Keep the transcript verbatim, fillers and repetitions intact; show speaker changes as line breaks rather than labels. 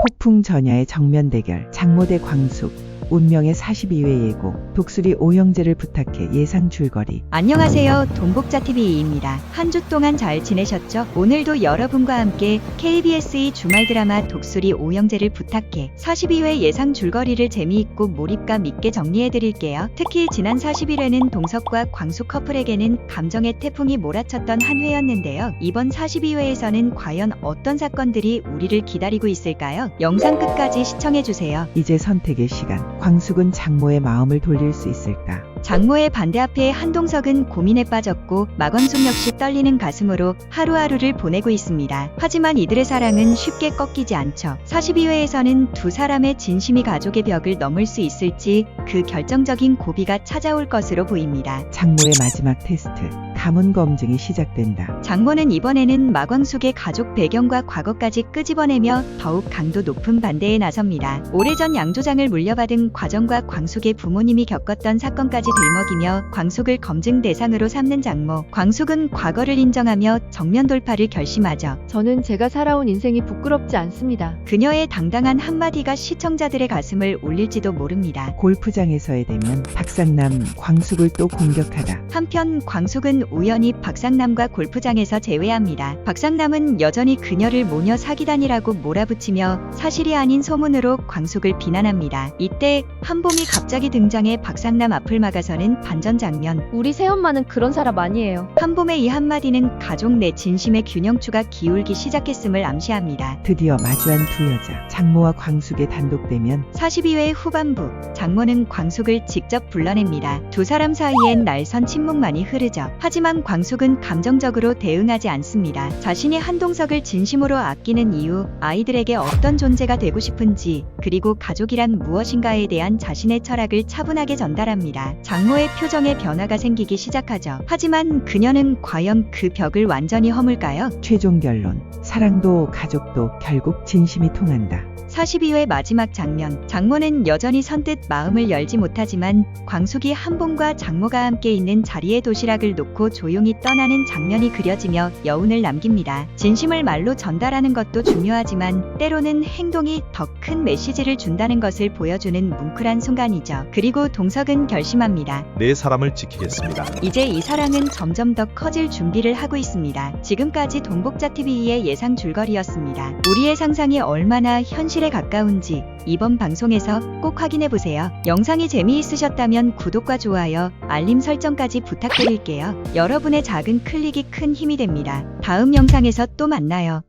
폭풍 전야의 정면 대결, 장모 대 광숙, 운명의 사십이 회 예고, 독수리 오형제를 부탁해 예상 줄거리.
안녕하세요. 동복자티비이입니다. 한 주 동안 잘 지내셨죠? 오늘도 여러분과 함께 케이비에스이 주말 드라마 독수리 오형제를 부탁해 사십이 회 예상 줄거리를 재미있고 몰입감 있게 정리해드릴게요. 특히 지난 사십일 회는 동석과 광숙 커플에게는 감정의 태풍이 몰아쳤던 한 회였는데요. 이번 사십이 회에서는 과연 어떤 사건들이 우리를 기다리고 있을까요? 영상 끝까지 시청해주세요.
이제 선택의 시간. 광숙은 장모의 마음을 돌릴 수 있을까?
장모의 반대 앞에 한동석은 고민에 빠졌고 마광숙 역시 떨리는 가슴으로 하루하루를 보내고 있습니다. 하지만 이들의 사랑은 쉽게 꺾이지 않죠. 사십이 회에서는 두 사람의 진심이 가족의 벽을 넘을 수 있을지 그 결정적인 고비가 찾아올 것으로 보입니다.
장모의 마지막 테스트, 가문 검증이 시작된다.
장모는 이번에는 마광숙의 가족 배경과 과거까지 끄집어내며 더욱 강도 높은 반대에 나섭니다. 오래전 양조장을 물려받은 과정과 광숙의 부모님이 겪었던 사건까지 들먹이며 광숙을 검증 대상으로 삼는 장모. 광숙은 과거를 인정하며 정면 돌파를 결심하죠.
저는 제가 살아온 인생이 부끄럽지 않습니다.
그녀의 당당한 한마디가 시청자들의 가슴을 울릴지도 모릅니다.
골프장에서의 대면, 박상남, 광숙을 또 공격하다.
한편 광숙은 우연히 박상남과 골프장에서 재회합니다. 박상남은 여전히 그녀를 모녀 사기단이라고 몰아붙이며 사실이 아닌 소문으로 광숙을 비난합니다. 이때 한봄이 갑자기 등장해 박상남 앞을 막아서는 반전 장면.
우리 새엄마는 그런 사람 아니에요.
한봄의 이 한마디는 가족 내 진심의 균형추가 기울기 시작했음을 암시합니다.
드디어 마주한 두 여자, 장모와 광숙의 단독 대면.
사십이 회 후반부, 장모는 광숙을 직접 불러냅니다. 두 사람 사이엔 날선 침묵만이 흐르죠. 하지만 광숙은 감정적으로 대응하지 않습니다. 자신이 한동석을 진심으로 아끼는 이유, 아이들에게 어떤 존재가 되고 싶은지, 그리고 가족이란 무엇인가에 대한 자신의 철학을 차분하게 전달합니다. 장모의 표정에 변화가 생기기 시작하죠. 하지만 그녀는 과연 그 벽을 완전히 허물까요?
최종 결론, 사랑도 가족도 결국 진심이 통한다.
사십이 회 마지막 장면. 장모는 여전히 선뜻 마음을 열지 못하지만 광숙이 한봄과 장모가 함께 있는 자리에 도시락을 놓고 조용히 떠나는 장면이 그려지며 여운을 남깁니다. 진심을 말로 전달하는 것도 중요하지만 때로는 행동이 더 큰 메시지를 준다는 것을 보여주는 뭉클한 순간이죠. 그리고 동석은 결심합니다.
내 사람을 지키겠습니다.
이제 이 사랑은 점점 더 커질 준비를 하고 있습니다. 지금까지 동복자티비의 예상 줄거리였습니다. 우리의 상상이 얼마나 현실에 가까운지 이번 방송에서 꼭 확인해보세요. 영상이 재미있으셨다면 구독과 좋아요, 알림 설정까지 부탁드릴게요. 여러분의 작은 클릭이 큰 힘이 됩니다. 다음 영상에서 또 만나요.